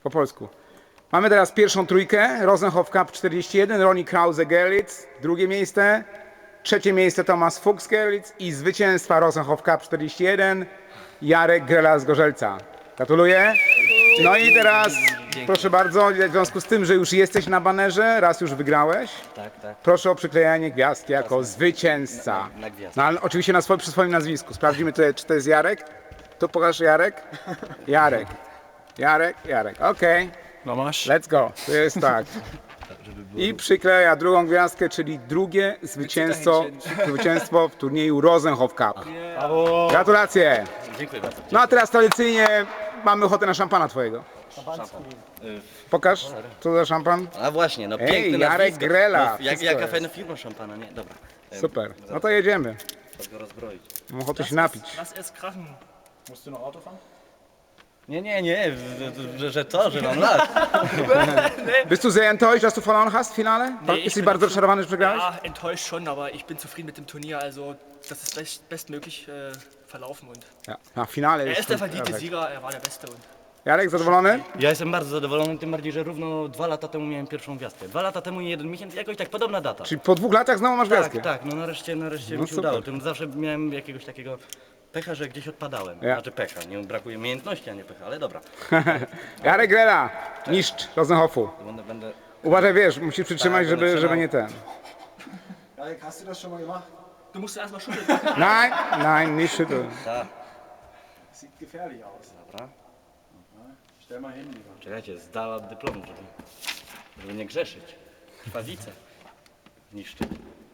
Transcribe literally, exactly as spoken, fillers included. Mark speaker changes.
Speaker 1: Po polsku. Mamy teraz pierwszą trójkę. Rosenhof Cup czterdzieści jeden, Ronnie Krause-Gerlitz. Drugie miejsce. Trzecie miejsce Thomas Fuchs-Gerlitz i zwycięstwa Rosenhof Cup czterdzieści jeden Jarek Grela z Gorzelca. Gratuluję. No i teraz proszę bardzo, w związku z tym, że już jesteś na banerze, raz już wygrałeś,
Speaker 2: Tak, tak.
Speaker 1: proszę o przyklejanie gwiazdki jako zwycięzca.
Speaker 2: Na, na gwiazdkę.
Speaker 1: No ale oczywiście na swoim, przy swoim nazwisku. Sprawdzimy tutaj, czy to jest Jarek. Tu pokaż Jarek. Jarek. Jarek, Jarek. Okej.
Speaker 3: No masz?
Speaker 1: Let's go. To jest tak. I przykleja drugą gwiazdkę, czyli drugie zwycięstwo, zwycięstwo w turnieju Rosenhof Cup. Gratulacje.
Speaker 2: Dziękuję bardzo.
Speaker 1: No a teraz tradycyjnie mamy ochotę na szampana twojego. Pokaż, co za szampan.
Speaker 2: A właśnie, no
Speaker 1: Ej,
Speaker 2: piękny
Speaker 1: Jarek
Speaker 2: nazwisko.
Speaker 1: Grela,
Speaker 2: No, jak,
Speaker 1: wszystko
Speaker 2: jaka
Speaker 1: jest.
Speaker 2: fajna firma szampana, nie? Dobra. Em,
Speaker 1: Super. No
Speaker 2: zaraz
Speaker 1: to jedziemy.
Speaker 2: trzeba go rozbroić.
Speaker 1: Mam ochotę się napić.
Speaker 3: Lass es krachen. Musst du noch Auto fahren?
Speaker 2: Nie, nie, nie, że, że, że to, że mam lat.
Speaker 1: Bist du sehr enttäuscht, dass du verloren hast w finale?
Speaker 3: Nee, ich
Speaker 1: Jesteś
Speaker 3: bin
Speaker 1: bardzo
Speaker 3: schon-
Speaker 1: rozczarowany, że przegrałeś?
Speaker 3: Ja, enttäuscht schon, aber ich bin zufrieden mit dem Turnier. Also, das ist best, bestmöglich äh, verlaufen und
Speaker 1: Ja, na finale
Speaker 3: er
Speaker 1: jest
Speaker 3: ist der
Speaker 1: to
Speaker 3: verdiente
Speaker 1: perfekt.
Speaker 3: Sieger, er war der Beste. Und
Speaker 1: Jarek, zadowolony?
Speaker 2: Ja jestem bardzo zadowolony, tym bardziej, że równo dwa lata temu miałem pierwszą gwiazdkę. Dwa lata temu i jeden miesiąc, jakoś tak podobna data.
Speaker 1: Czyli po dwóch latach znowu masz gwiazdkę?
Speaker 2: Tak, tak, no nareszcie, nareszcie
Speaker 1: No
Speaker 2: mi się
Speaker 1: super.
Speaker 2: udało. Tym zawsze miałem jakiegoś takiego pecha, że gdzieś odpadałem.
Speaker 1: Ja.
Speaker 2: Znaczy pecha, nie brakuje umiejętności, a nie pecha, ale dobra.
Speaker 1: Jarek Grela, mistrz Rosenhofu.
Speaker 2: Będę, będę...
Speaker 1: Uważaj, wiesz, musisz przytrzymać,
Speaker 2: Tak, będę
Speaker 1: żeby, żeby
Speaker 2: trzymał.
Speaker 1: nie ten.
Speaker 4: Jarek, hast du das schon mal gemacht?
Speaker 3: du musst erstmal schütteln.
Speaker 1: Nein, nein, nicht schütteln.
Speaker 2: Ta,
Speaker 4: Sieht gefährlich aus.
Speaker 2: dobra.
Speaker 4: Stell mal hin, lieber.
Speaker 2: Czekajcie, zdała dyplom, żeby, żeby nie grzeszyć. Krwawice niszczy.